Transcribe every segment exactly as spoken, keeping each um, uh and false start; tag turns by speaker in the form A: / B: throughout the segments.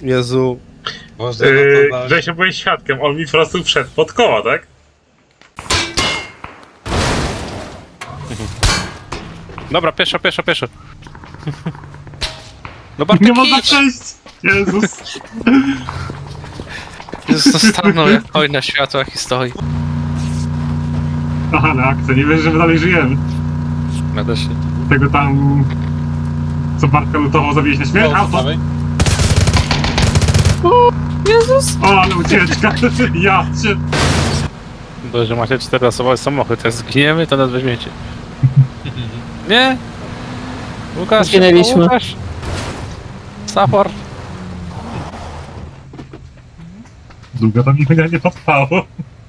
A: Jezu.
B: Boże,
C: Yy,
B: no to
C: Grzesiu, byłeś świadkiem, on mi po prostu wszedł pod koła, tak?
D: Dobra, pieszo, pieszo, pieszo. No Bartek,
C: Nie można
D: idź!
C: przejść! Jezus!
D: Jezus, stanął jak oj na światłach i stoi.
C: Aha, na akcję, nie wiesz, że my dalej żyjemy.
D: Będę się...
C: Tego tam... Co Bartka lutował, zabiłeś na śmierć?
B: O,
C: Auto!
B: dawaj.
E: Jezus!
C: O, ale ucieczka! Ja cię...
D: Boże, macie czteroosobowy samochód, jak zginiemy, to nas weźmiecie. Nie? Łukasz,
E: Zginęliśmy.
D: Łukasz? Support.
C: Długo to mi mnie nie potrwało.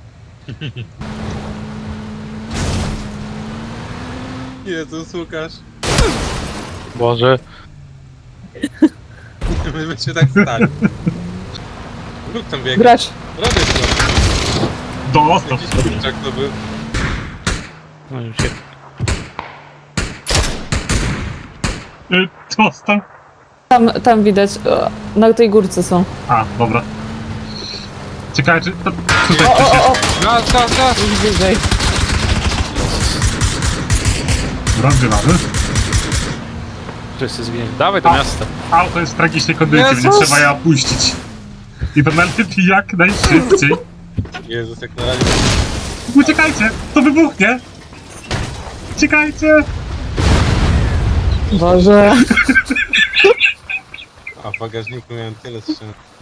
B: Jezus, Łukasz.
D: Boże.
B: My byśmy tak stali. Luk tam biega.
E: Gracz.
B: Robię to.
C: Dostał.
B: Jakiś kurczak to był.
D: No już się...
C: Y, Dostał.
E: Tam, tam widać, o, na tej górce są.
C: A, dobra. Ciekawe, czy... To, tutaj
E: O,
C: ktoś
E: o, o, o,
C: jest.
D: Gaz, gaz, gaz!
E: już bliżej.
C: Rozgrywamy.
D: Wszyscy zginiemy. Dawaj do
C: A.
D: miasta.
C: Auto jest w tragicznej kondycji,
D: Jezus!
C: więc trzeba je opuścić. I to najlepiej jak najszybciej.
B: Jezus, jak na razie.
C: Uciekajcie! To wybuchnie! Uciekajcie!
E: Boże.
B: A w bagażniku miałem tyle strzał.